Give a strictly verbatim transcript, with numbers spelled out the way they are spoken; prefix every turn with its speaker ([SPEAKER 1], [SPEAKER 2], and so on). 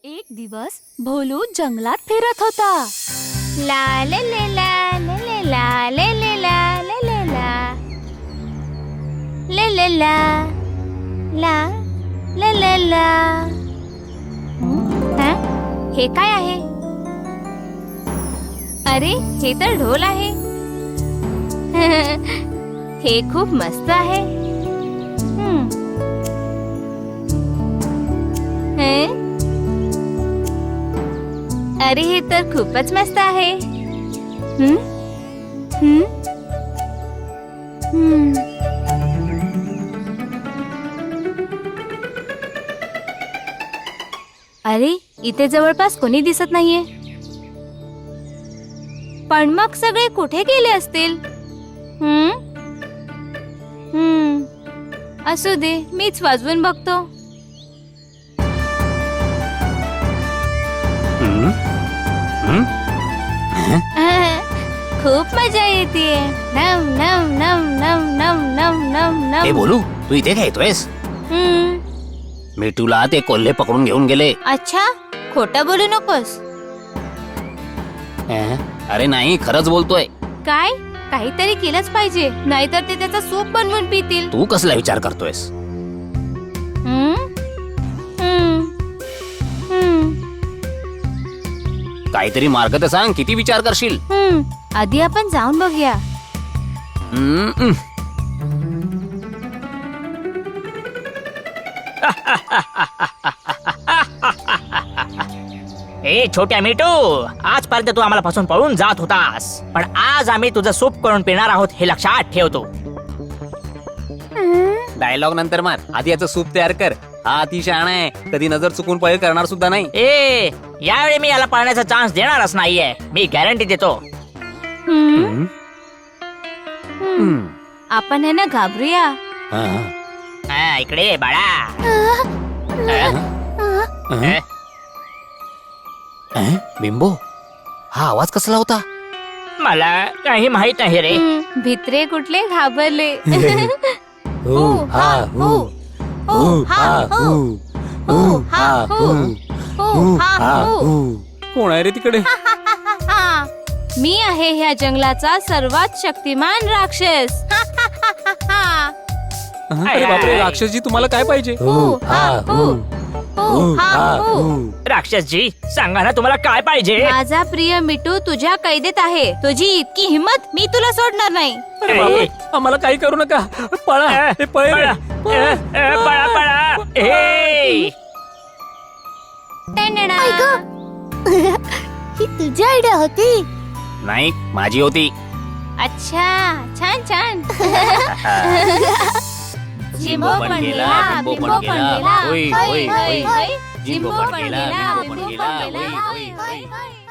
[SPEAKER 1] एक दिवस भोलू जंगलात फिरत होता. ला ले ले ला ले ले ला ले ले ला ले ले ला ले ले ला ला ले ले ला. हं? हे काय आहे? अरे हे तर ढोल आहे. हे खूप मस्त आहे. हं. हं? अरे हे तर खूपच मस्त आहे. हं? हं? हं. अरे इथे जवळपास कोणी दिसत नाहीये. पण मग सगळे कुठे गेले असतील? हं? हं. असू दे, मीच वाजवून बघतो. खूप मजा येते. नम नम नम नम नम नम नम नम.
[SPEAKER 2] ए बोलू, तू इथे काय येतोयस?
[SPEAKER 1] हं.
[SPEAKER 2] मी तुला ते कोल्हे पकडून घेऊन गेले.
[SPEAKER 1] अच्छा, खोटं बोलू नकोस.
[SPEAKER 2] अं? अरे नाही, खरंच बोलतोय.
[SPEAKER 1] काय? काहीतरी केलंच पाहिजे, नाहीतर ते त्याचा सूप बनवून पितील.
[SPEAKER 2] तू कसला विचार करतोयस?
[SPEAKER 1] हं? हं. हं.
[SPEAKER 2] काहीतरी मार्ग तर सांग, किती विचार करशील?
[SPEAKER 1] हं. आधी आपण जाऊन बघूया.
[SPEAKER 2] हम्म, हम्म.
[SPEAKER 3] ए छोट्या मिठू, आजपर्यंत तू आम्हाला पासून पळून जात होतास, पण आज आम्ही तुझं सूप करून पिणार आहोत हे लक्षात ठेवतो.
[SPEAKER 2] डायलॉग नंतर मार, आधी याचं सूप तयार कर. हा अति शहाणा आहे, कधी नजर चुकून पळ करणार सुद्धा नाही.
[SPEAKER 3] ए यावेळी मी याला पळण्याचा चान्स देणारच नाहीये, मी गॅरंटी देतो.
[SPEAKER 1] हं.
[SPEAKER 2] हम्म?
[SPEAKER 1] हं. आपण हे ना घाबरूया.
[SPEAKER 2] हा.
[SPEAKER 3] हा, इकडे ये बाळा.
[SPEAKER 2] अं? अं? बिंबो, हा आवाज कसला होता?
[SPEAKER 3] मला काही माहित नाही रे.
[SPEAKER 1] हं. भित्रे कुठले घाबरले.
[SPEAKER 2] हु, हा, हु. हु, हा, हु. हु, हा, हु. हु, हा, हु. कोण आहे रे तिकडे?
[SPEAKER 1] मी आहे ह्या जंगलाचा सर्वात शक्तिमान राक्षस.
[SPEAKER 2] अरे बापरे, राक्षसजी तुम्हाला काय पाहिजे?
[SPEAKER 1] हु, हा, हु. हु, हा, हु.
[SPEAKER 3] राक्षसजी, सांगा ना तुम्हाला काय पाहिजे.
[SPEAKER 1] माझा प्रिय मिठू तुझ्या कैदेत आहे. तुझी इतकी हिम्मत, मी तुला सोडणार नाही.
[SPEAKER 2] अरे बापरे, आम्हाला काही करू नका. पळा, हे पळे रे.
[SPEAKER 3] पळा, ए, पळा, पळा. ए.
[SPEAKER 1] ही तुझी आयडिया होती?
[SPEAKER 2] नाही, माझी होती.
[SPEAKER 1] अच्छा, छान छान.
[SPEAKER 2] जिंबो पण गेला, बिंबो पण गेला. होय, होय, होय. जिंबो पण गेला, बिंबो पण गेला. होय, होय, होय.